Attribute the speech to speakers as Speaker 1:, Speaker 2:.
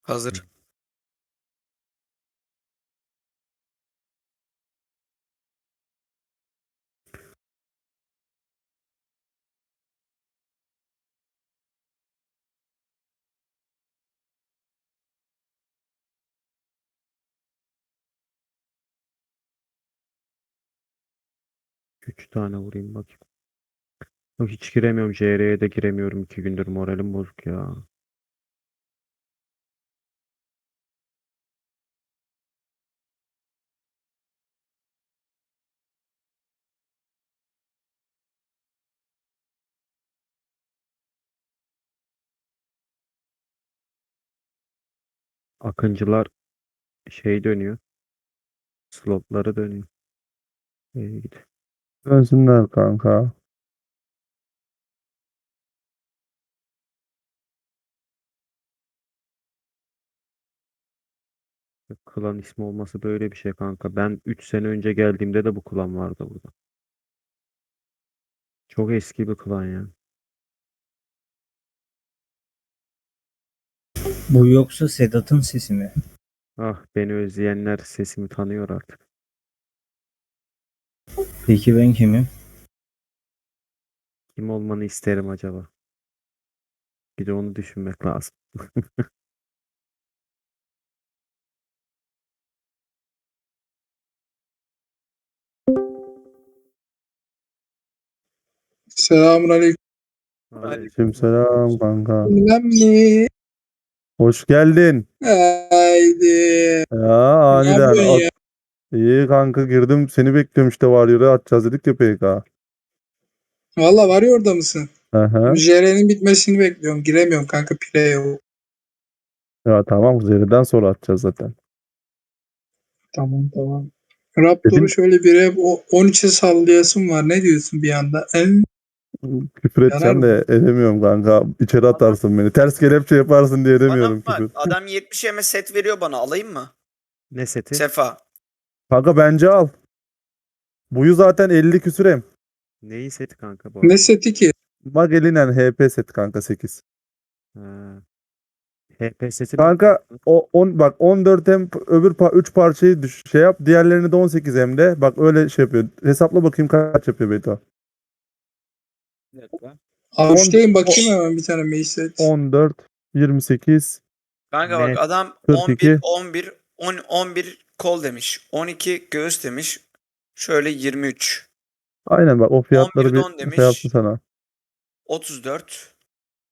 Speaker 1: Hazır.
Speaker 2: Üç tane vurayım bakayım. Yok, hiç giremiyorum. JR'ye de giremiyorum. 2 gündür moralim bozuk ya. Akıncılar şey dönüyor. Slotları dönüyor. Git.
Speaker 3: Dönsünler kanka.
Speaker 2: Klan ismi olması böyle bir şey kanka. Ben 3 sene önce geldiğimde de bu klan vardı burada. Çok eski bir klan ya.
Speaker 4: Bu yoksa Sedat'ın sesi mi?
Speaker 2: Ah, beni özleyenler sesimi tanıyor artık.
Speaker 4: Peki ben kimim?
Speaker 2: Kim olmanı isterim acaba? Bir de onu düşünmek lazım.
Speaker 5: Selamünaleyküm.
Speaker 3: Aleykümselam kanka.
Speaker 5: Bilmem ne.
Speaker 3: Hoş geldin.
Speaker 5: Haydi.
Speaker 3: Ya
Speaker 5: Ne
Speaker 3: aniden.
Speaker 5: yapıyorsun ya?
Speaker 3: İyi kanka, girdim seni bekliyorum işte, Warrior'a atacağız dedik ya PK.
Speaker 5: Valla var ya, orada mısın?
Speaker 3: Aha.
Speaker 5: JR'nin bitmesini bekliyorum. Giremiyorum kanka, pire yok.
Speaker 3: Ya tamam, Zeri'den sonra atacağız zaten.
Speaker 5: Tamam tamam. Raptor'u
Speaker 3: Dedim
Speaker 5: şöyle bir hep 13'e sallayasım var. Ne diyorsun bir anda?
Speaker 3: küfür
Speaker 5: Yarar
Speaker 3: edeceğim
Speaker 5: mı?
Speaker 3: de edemiyorum kanka. İçeri atarsın beni. Ters kelepçe yaparsın diye
Speaker 1: Bana
Speaker 3: edemiyorum
Speaker 1: bak,
Speaker 3: küfür.
Speaker 1: adam 70 yeme set veriyor bana, alayım mı?
Speaker 2: Ne seti?
Speaker 1: Sefa.
Speaker 3: Kanka bence al. Buyu zaten 50 küsür.
Speaker 2: Neyi seti kanka bu
Speaker 5: Ne
Speaker 2: arada?
Speaker 5: seti ki?
Speaker 3: Magellan HP set kanka 8.
Speaker 2: Ha, HP seti mi?
Speaker 3: Kanka o 10 bak, 14 hem öbür 3 parçayı şey yap. Diğerlerini de 18 hem de. Bak öyle şey yapıyor. Hesapla bakayım kaç yapıyor Beyto.
Speaker 1: Bir dakika.
Speaker 5: Avuçtayım,
Speaker 3: 10
Speaker 5: bakayım hemen bir tane Mage set.
Speaker 3: 14 28
Speaker 1: Kanka bak,
Speaker 2: Ne?
Speaker 1: adam 11,
Speaker 3: 42.
Speaker 1: 11, 10, 11 kol demiş. 12 göğüs demiş. Şöyle 23.
Speaker 3: Aynen, bak o fiyatları
Speaker 1: 11'de
Speaker 3: bir
Speaker 1: 10
Speaker 3: şey yaptı
Speaker 1: demiş.
Speaker 3: sana.
Speaker 1: 34.